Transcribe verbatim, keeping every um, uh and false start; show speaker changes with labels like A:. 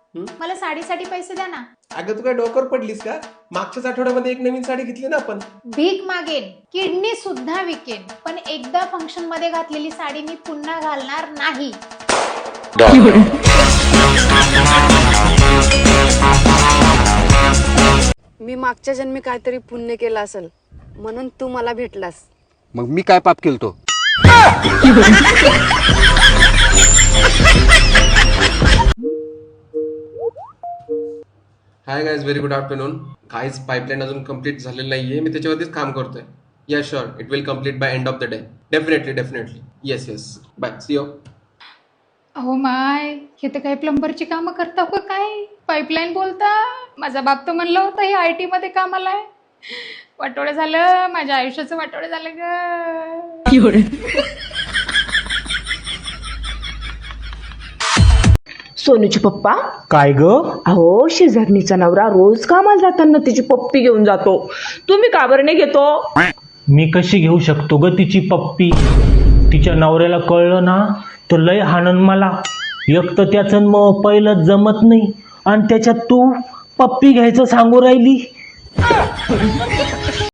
A: मला साडीसाठी पैसे द्या ना.
B: अगं तू काय डोक्यावर पडलीस का? मागच्याच आठवड्यामध्ये एक नवीन साडी घेतली ना आपण.
A: भीक मागेन, किडनी सुद्धा विकेन, पण एकदा फंक्शन मध्ये घातलेली साडी मी पुन्हा घालणार नाही.
C: मी मागच्या जन्मी काहीतरी पुण्य केलं असेल म्हणून तू मला भेटलास.
D: मग मी काय पाप केलतो?
B: Hi guys, very good afternoon. Guys pipeline अजून कम्प्लीट झालेलं नाहीये, मी त्याच्यावरतीच काम करतोय. Yeah sure, it will complete by end of the day. Definitely definitely yes yes bye, see you.
A: अहो माय, हे तर काही प्लंबरची कामं करता का काय? पाईपलाईन बोलता. माझा बाप तर म्हणलं होतं हे आय टी मध्ये कामाला आहे. वाटोळं झालं, माझ्या आयुष्याचं वाटोळं झालं ग.
E: सोनूचे पप्पा
F: काय ग?
E: अहो शेजारणीचा नवरा रोज कामाला जाताना तिची पप्पी घेऊन जातो. तुम्ही का बरं नाही घेतो?
F: मी कशी घेऊ शकतो ग तिची पप्पी? तिच्या नवऱ्याला कळलं ना तर लय हाणन मला. एक तर त्याचं मग पहिलं जमत नाही आणि त्याच्यात तू पप्पी घ्यायचं सांगू राहिली.